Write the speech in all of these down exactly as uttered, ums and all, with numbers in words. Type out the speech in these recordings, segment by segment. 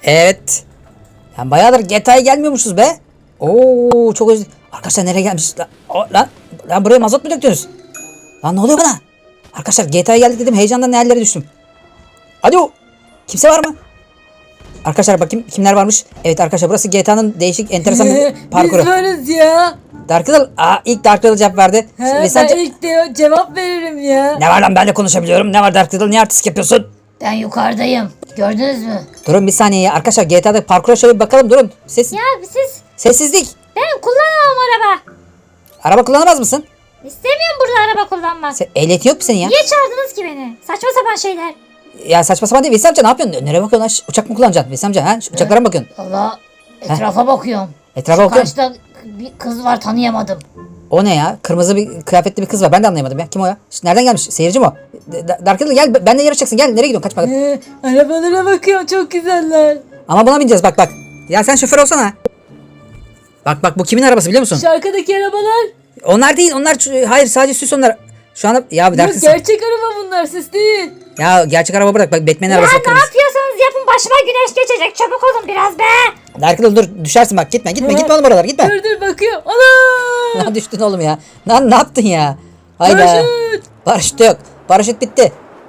Evet. Yani bayağıdır G T A'ya gelmiyormuşuz be. Oo çok özledim. Arkadaşlar nereye gelmişiz? Lan, o, lan, lan buraya mazot mu döktünüz? Lan ne oluyor bana? Arkadaşlar G T A'ya geldik dedim, heyecandan ne hallere düştüm. Alo. Kimse var mı? Arkadaşlar bakayım kimler varmış. Evet arkadaşlar burası G T A'nın değişik enteresan bir parkuru. Biz varız ya. Dark Riddle, aa ilk Dark Riddle cevap verdi. He, Ve ben sence- ilk de cevap veririm ya. Ne var lan, ben de konuşabiliyorum. Ne var Dark Riddle, niye artist yapıyorsun? Ben yukarıdayım. Gördünüz mü? Durun bir saniye ya. Arkadaşlar G T A'da parkura şöyle bir bakalım, durun. Ses, Ya siz sessizlik. ben kullanamam araba. Araba kullanamaz mısın? İstemiyorum burada araba kullanmak. Sen, ehliyetin yok mu senin ya? Niye çağırdınız ki beni? Saçma sapan şeyler. Ya saçma sapan değil. Veysel amca ne yapıyorsun? Nereye bakıyorsun lan? Şş, uçak mı kullanacaksın? Veysel amca ha? Şu uçaklara mı bakıyorsun? Allah etrafa bakıyorum. Etrafa Şu bakıyorsun. karşıda bir kız var, tanıyamadım. O ne ya? Kırmızı bir kıyafetli bir kız var. Ben de anlayamadım ya. Kim o ya? Şş, nereden gelmiş? Seyirci mi o? D- Dark Riddle gel. Ben de yarışacaksın. Gel. Nereye gidiyorsun? Kaçma. He, arabalara bakıyorum, çok güzeller. Ama buna bineceğiz. Bak bak. Ya sen şoför olsana. Bak bak, bu kimin arabası biliyor musun? Şu arkadaki arabalar. Onlar değil. Onlar ç- hayır, sadece süs onlar. Şu anda ya bir Yok, dakika. gerçek araba bunlar, siz değil. Ya gerçek araba bırak. Bak Batman'in Ya arabası ne kırmızı. yapıyorsanız yapın, başıma güneş geçecek. Çabuk olun biraz be. Dark Riddle dur, düşersin bak. Gitme gitme He. gitme oğlum oralara, gitme. Dur dur bakıyorum. Ana! Lan düştün oğlum ya. Lan ne yaptın ya? Hayda. Paraşüt! Paraşüt yok. Paraşüt bitti.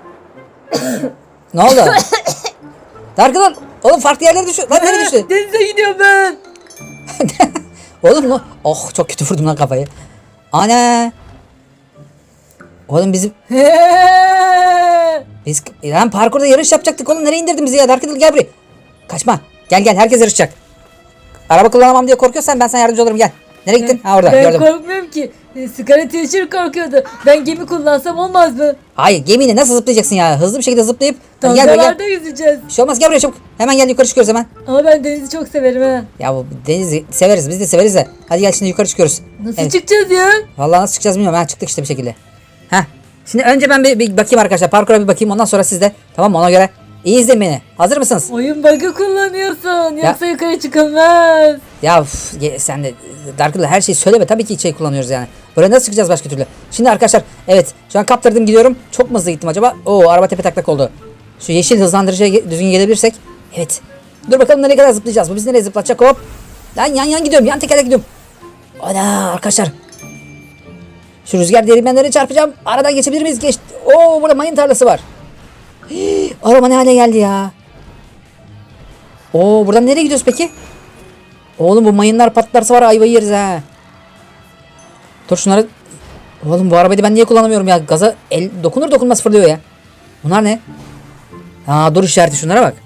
Ne oldu? Dark Riddle. Oğlum farklı yerlere düştü. Lan nereye düştü? Denize gidiyorum ben. Oğlum mu? Oh çok kötü vurdum lan kafayı. Ana. Oğlum bizim He. biz lan parkurda yarış yapacaktık oğlum, nereye indirdin bizi ya? Dark Riddle gel buraya. Kaçma. Gel gel, herkes yarışacak. Araba kullanamam diye korkuyorsan ben sana yardımcı olurum, gel. Nereye gittin? Ha orada Ben gördüm. korkmuyorum ki. E, Sigara teacher korkuyordu. Ben gemi kullansam olmaz mı? Hayır, gemiyle nasıl zıplayacaksın ya? Hızlı bir şekilde zıplayıp hadi gel buraya gel. Dalgalarda yüzeceğiz. Bir şey olmaz, gel buraya çabuk. Hemen gel, yukarı çıkıyoruz hemen. Ama ben denizi çok severim ha. Ya bu denizi severiz, biz de severiz de. Hadi gel şimdi yukarı çıkıyoruz. Nasıl Evet. çıkacağız ya? Vallahi nasıl çıkacağız bilmiyorum. Ha çıktık işte bir şekilde. Heh. Şimdi önce ben bir, bir bakayım arkadaşlar. Parkura bir bakayım. Ondan sonra siz de. Tamam mı? Ona göre. İyi izleyin beni. Hazır mısınız? Oyun bug'ı kullanıyorsun. Yoksa yukarı çıkılmaz. Ya uf, ye- sen de Dark Riddle her şeyi söyleme. Tabii ki şey kullanıyoruz yani. Buraya nasıl çıkacağız başka türlü? Şimdi arkadaşlar evet. Şu an kaptırdım, gidiyorum. Çok mu hızlı gittim acaba? Oo, araba tepe taklak oldu. Şu yeşil hızlandırıcıya ge- düzgün gelebilirsek. Evet. Dur bakalım nereye kadar zıplayacağız. Bu bizi nereye zıplatacak? Hop. Lan yan yan gidiyorum. Yan tekerlek gidiyorum. Ana arkadaşlar. Şu rüzgar değirmenlerine çarpacağım. Aradan geçebilir miyiz? Geç. Oo, burada mayın tarlası var. Hii, araba ne hale geldi ya. Oo, buradan nereye gidiyoruz peki? Oğlum bu mayınlar patlarsa var, ayvayı yeriz ha. Dur şunları. Oğlum bu arabayı ben niye kullanamıyorum ya? Gaza el dokunur dokunmaz fırlıyor ya. Bunlar ne? Aa, dur işareti, şunlara bak.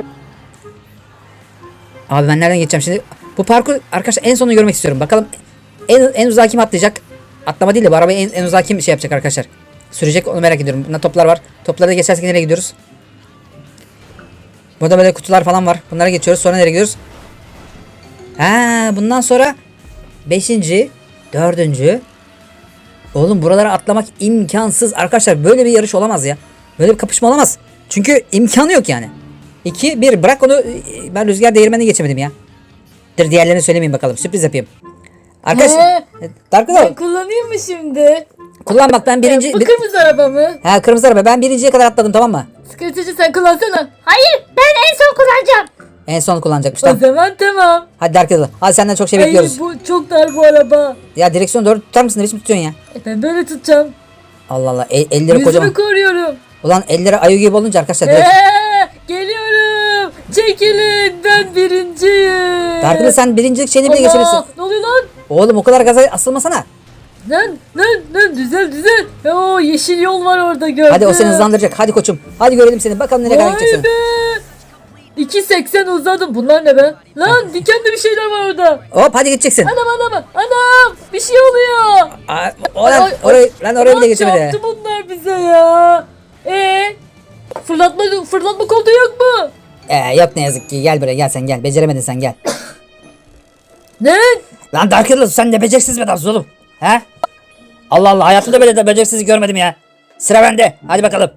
Abi ben nereden geçeceğim şimdi? Bu parkur arkadaşlar en sonunu görmek istiyorum. Bakalım en, en uzağa kim atlayacak? Atlama değil de bu arabayı en, en uzağa kim şey yapacak arkadaşlar? Sürecek, onu merak ediyorum. Bunda toplar var. Topları da geçersek nereye gidiyoruz? Burada böyle kutular falan var. Bunlara geçiyoruz. Sonra nereye gidiyoruz? Ha, bundan sonra beşinci, dördüncü. Oğlum buralara atlamak imkansız. Arkadaşlar böyle bir yarış olamaz ya. Böyle bir kapışma olamaz. Çünkü imkanı yok yani. iki, bir. Bırak onu. Ben rüzgar değirmenine geçemedim ya. Dur diğerlerini söylemeyeyim bakalım. Sürpriz yapayım. Arkadaşlar. Dark Ben Riddle. kullanayım mı şimdi? Kullan bak, ben birinci. Bu bir- kırmızı araba mı? Ha, kırmızı araba. Ben birinciye kadar atladım, tamam mı? Sigara teacher sen kullansana. Hayır, ben en son kullanacağım. En son kullanacakmış, O tamam. zaman tamam. Hadi Dark Riddle. Hadi senden çok şey Ay, bekliyoruz. bu çok dar bu araba. Ya direksiyonu doğru tutar mısın? Ne biçim tutuyorsun ya? E, ben böyle tutacağım. Allah Allah. El, elleri Yüzümü kocaman. koruyorum. Ulan elleri ayı gibi olunca arkadaşlar. Eee, Direkt... geliyorum. Çekilin, ben birinciyim. Dark Riddle sen birincilik şeyini bile Allah, geçebilirsin. ne oluyor lan? Oğlum o kadar gaza asılmasana. Lan lan lan düzel düzel. Oo, yeşil yol var orada, gördüm. Hadi o seni hızlandıracak. Hadi koçum. Hadi görelim seni. Bakalım nereye kadar Vay gideceksin. be. iki seksen uzadım. Bunlar ne be? Lan dikenli bir şeyler var orada. Hop hadi gideceksin. Anam anam anam. Bir şey oluyor. Aa, Oradan, Ay, ay, orayı, lan oraya bile Lan geçemedi. çarptı bunlar bize ya. Ee, fırlatma fırlatma koltuğu yok mu? Ee, yok ne yazık ki. Gel buraya, gel sen gel. Beceremedin sen, gel. Ne? Lan Dark Riddle sen ne beceriksiz bir adamsın oğlum. He? Allah Allah, hayatımda böyle de beceriksiz görmedim ya. Sıra bende. Hadi bakalım.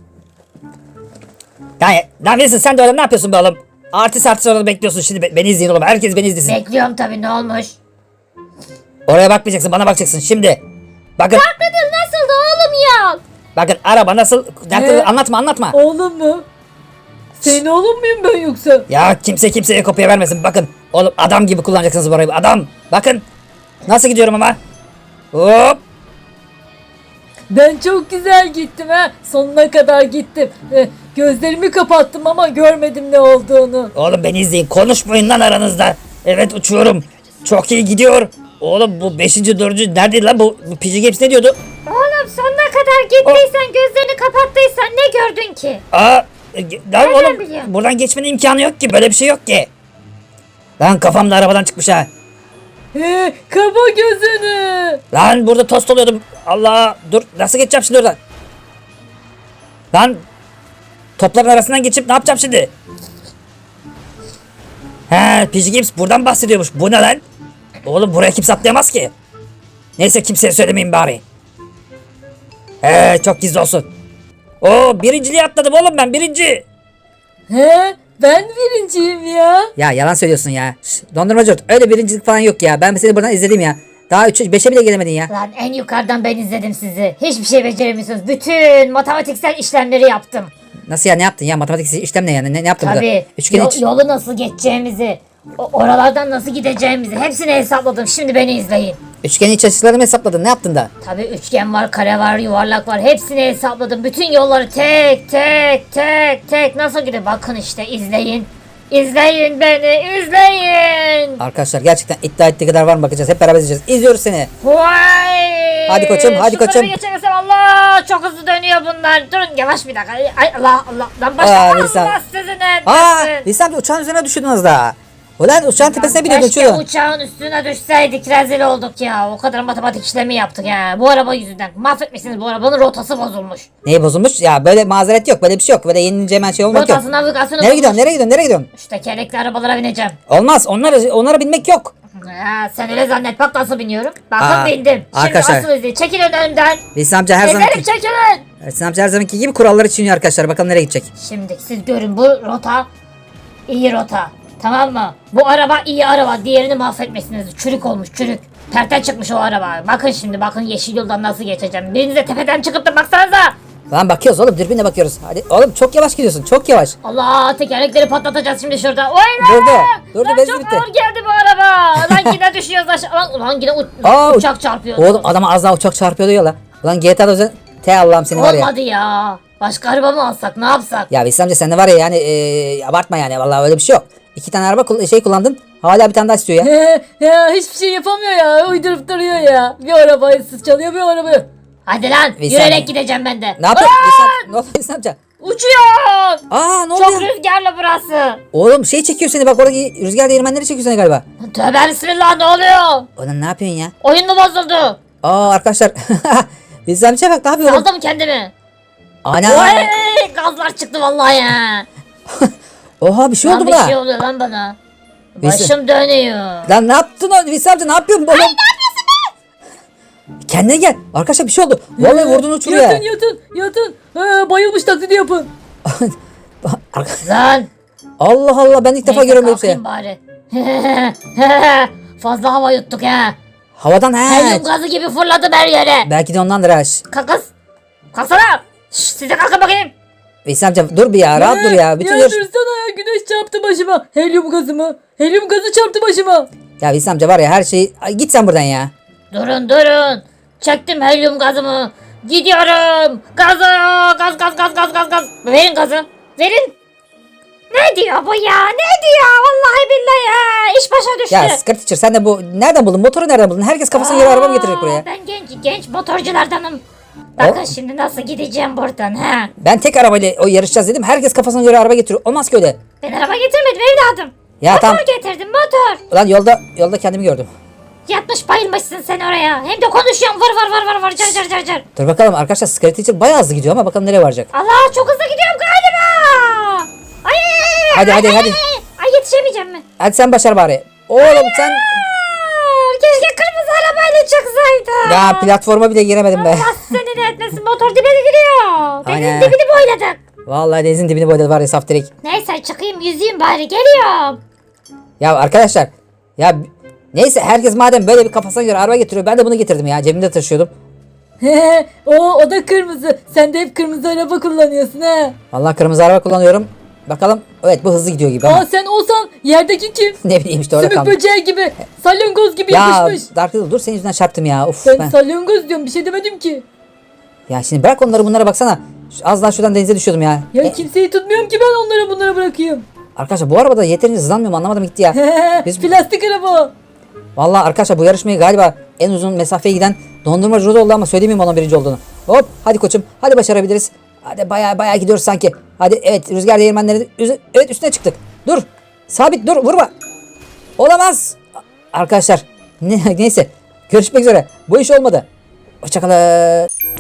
Yani, lan Wilson sen de öyle ne yapıyorsun be oğlum? Artist artist orada bekliyorsun şimdi. Be- beni izleyin oğlum. Herkes beni izlesin. Bekliyorum tabii, ne olmuş? Oraya bakmayacaksın, bana bakacaksın şimdi. Bakın, Dark Riddle nasıldı oğlum ya? bakın araba nasıl. Dark Riddle Ee? anlatma anlatma. Oğlum mu? Senin oğlum muyum ben yoksa? Ya kimse kimseye kopya vermesin. Bakın oğlum adam gibi kullanacaksınız bu arabayı. Adam. Bakın. Nasıl gidiyorum ama. Hop. Ben çok güzel gittim ha. Sonuna kadar gittim. Eh, gözlerimi kapattım ama görmedim ne olduğunu. Oğlum beni izleyin. Konuşmayın lan aranızda. Evet uçuyorum. Çok iyi gidiyor. Oğlum bu beşinci dördüncü neredeydi lan bu, bu P G Games ne diyordu? Oğlum sonuna kadar gittiysen gözlerini kapattıysan ne gördün ki? Aa, e, lan Nereden oğlum biliyorsun? buradan geçmenin imkanı yok ki. Böyle bir şey yok ki. Lan kafam da arabadan çıkmış ha. He, kapa gözünü. Lan burada tost oluyordum. Allah dur nasıl geçeceğim şimdi oradan? Lan topların arasından geçip ne yapacağım şimdi? He P G Games buradan bahsediyormuş. Bu ne lan? Oğlum buraya kimse atlayamaz ki. Neyse kimseye söylemeyeyim bari. He çok gizli olsun. Oo birinciliğe atladım oğlum ben birinci. He, ben birinciyim ya. Ya yalan söylüyorsun ya. Şş, dondurmacı öyle birincilik falan yok ya. Ben seni buradan izledim ya. Daha üçe beşe bile gelemedin ya. Lan en yukarıdan ben izledim sizi. Hiçbir şey beceremiyorsunuz. Bütün matematiksel işlemleri yaptım. Nasıl ya ne yaptın ya? Matematik işlem ne yani? Ne, ne yaptın burada? Tabii. Üçgen Yo- iç. yolu nasıl geçeceğimizi, o- oralardan nasıl gideceğimizi hepsini hesapladım. Şimdi beni izleyin. Üçgen iç açılarını mı hesapladın? Ne yaptın da? Tabii üçgen var, kare var, yuvarlak var. Hepsini hesapladım. Bütün yolları tek tek tek tek nasıl gidiyor? Bakın işte izleyin. İzleyin beni, izleyin. Arkadaşlar gerçekten iddia ettiği kadar var mı bakacağız. Hep beraber izleyeceğiz. İzliyoruz seni. Vay! Hadi koçum, hadi Şunları koçum. bir geçemesem Allah çok hızlı dönüyor bunlar. Durun yavaş bir dakika. Ay Allah Allah. Lan Aa, başla. Nisan. Allah sizin Aa, etmesin. Nisan uçağın üzerine düşürdün az daha. Ulan uçağın tepesine biniyordun Keşke şurada. uçağın üstüne düşseydik rezil olduk ya. O kadar matematik işlemi yaptık ya. Bu araba yüzünden. Mahvetmişsiniz bu arabanın rotası bozulmuş. Neyi bozulmuş? Ya böyle mazeret yok. Böyle bir şey yok. Böyle yenilince hemen şey olmak yok. Rotası navigasyonu Nereye bozulmuş. gidiyorsun? Nereye gidiyorsun? Nereye gidiyorsun? Şu tekerlekli arabalara bineceğim. Olmaz. Onlara, onlara binmek yok. Ya, sen öyle zannet bak nasıl biniyorum. Bakın Aa, bindim. Şimdi arkadaşlar. asıl izleyin. Çekilin önden. Nisan amca her Ezerim zamanki, çekilin. Nisan amca her zamanki gibi kuralları çiğniyor arkadaşlar. Bakalım nereye gidecek. Şimdi siz görün bu rota iyi rota. Tamam mı? Bu araba iyi araba. Diğerini mahvetmişsiniz. Çürük olmuş çürük. Perten çıkmış o araba. Bakın şimdi bakın yeşil yoldan nasıl geçeceğim. Birinize tepeden çıkıp da baksanıza. Lan bakıyoruz oğlum. Dürbünle bakıyoruz. Hadi oğlum çok yavaş gidiyorsun. Çok yavaş. Allah tekerlekleri patlatacağız şimdi şurada. Oy Durdu. be! Durdu, Lan benzin çok bitti. ağır geldi bu araba. Lan yine düşüyoruz aşağı. Lan, ulan yine u- Aa, uçak çarpıyor. Oğlum adama az daha uçak çarpıyordu ya la. Ulan G T A'da özel... Te Allah'ım seni var ya. Olmadı ya. Başka araba mı alsak ne yapsak? Ya Veysel amca sen de var ya yani ee, abartma yani. Vallahi öyle bir şey yok. İki tane araba kul- şey kullandın. Hala bir tane daha istiyor ya. He, ya hiçbir şey yapamıyor ya. Uydurup duruyor ya. Bir arabayı çalıyor bir arabayı. Hadi lan Veysel- yürüyerek gideceğim ben de. Ne yapıyorsun? Veysel, ne oldu Veysel amca? Uçuyor. Aa ne oldu Çok ya? rüzgarlı burası. Oğlum şey çekiyor seni bak orada rüzgar değirmenleri çekiyor seni galiba. Tövbe bismillah ne oluyor? Ulan ne yapıyorsun ya? Oyun mu bozuldu? Aa arkadaşlar. Veysel amca bak ne yapıyor oğlum? Saldım kendimi. Ana. Oy, gazlar çıktı vallahi ya. Oha bir şey oldu Lan bir buna. şey oluyor lan bana. Veysel- Başım dönüyor. Lan ne yaptın o Veysel amca ne yapıyorsun oğlum? Kendine gel. Arkadaşlar bir şey oldu. Vallahi vurdun uçuruyor ya. Yatın yatın yatın. He, bayılmış taklidi yapın. Arka- Lan. Allah Allah ben ilk defa Neyse, görüyorum böyle bir şey. kalkayım bari. Fazla hava yuttuk ha. Havadan he. Helyum gazı gibi fırladım her yere. Belki de ondandır ha. Şş, Kalkız. Kalksana. Şş, size kalkın bakayım. Veysel amca dur bir ya rahat dur ya. Bütün ya yarış... dursana ya güneş çarptı başıma. Helyum gazı mı? Helyum gazı çarptı başıma. Ya Veysel amca var ya her şeyi... Ay, git sen buradan ya. Durun durun. Çektim helyum gazımı. Gidiyorum. Gazı. Gaz gaz gaz gaz gaz gaz. Verin gazı. Verin. Ne diyor bu ya? Ne diyor? Vallahi billahi ya. İş başa düştü. Ya Skirt Teacher sen de bu... Nereden buldun? Motoru nereden buldun? Herkes kafasına göre araba mı getirecek Aa, buraya? Ben genç genç motorculardanım. Bakın O- şimdi nasıl gideceğim buradan ha. Ben tek arabayla o yarışacağız dedim. Herkes kafasına göre araba getiriyor. Olmaz ki öyle. Ben araba getirmedim evladım. Ya motor tamam. getirdim motor. Ulan yolda yolda kendimi gördüm. Yatmış bayılmışsın sen oraya. Hem de konuşuyorsun vır vır vır vır vır car car car car. Dur bakalım arkadaşlar Skirt Teacher bayağı hızlı gidiyor ama bakalım nereye varacak. Allah çok hızlı gidiyorum galiba. Ay, Hadi, ay, hadi, ay, hadi. Ay, ay yetişemeyeceğim mi? Hadi sen başar bari. Oğlum sen... Aa, keşke kırmızı arabayla çıksaydım. Ya platforma bile giremedim be. Allah seni de etmesin motor dibe giriyor. Denizin Aynen. dibini boyladık. Vallahi denizin dibini boyladı var ya saf direkt. Neyse çıkayım yüzeyim bari geliyorum. Ya arkadaşlar ya neyse herkes madem böyle bir kafasına göre araba getiriyor ben de bunu getirdim ya cebimde taşıyordum. He, o, o da kırmızı. Sen de hep kırmızı araba kullanıyorsun ha. Vallahi kırmızı araba kullanıyorum. Bakalım. Evet bu hızlı gidiyor gibi Aa ama. sen olsan yerdeki kim? Ne bileyim işte orada Sümük kaldım. böceği gibi, salyangoz gibi Ya yapışmış. Dark Riddle dur senin yüzünden çarptım ya. Of Ben, ben. salyangoz diyorum, bir şey demedim ki. Ya şimdi bırak onları bunlara baksana. Şu- Az daha şuradan denize düşüyordum ya. Ya E, kimseyi tutmuyorum ki ben, onlara bunlara bırakayım. arkadaşlar bu arabada yeterince hızlanmıyor mu anlamadım gitti ya. Biz- Plastik araba. Vallahi arkadaşlar bu yarışmayı galiba en uzun mesafeye giden dondurmacı Rod oldu ama söyleyeyim onun birinci olduğunu. Hop hadi koçum hadi başarabiliriz. Hadi baya baya gidiyoruz sanki. Hadi evet rüzgar değirmenleri üze- evet üstüne çıktık. Dur sabit dur vurma. Olamaz. Arkadaşlar ne, neyse görüşmek üzere bu iş olmadı. Hoşçakalın.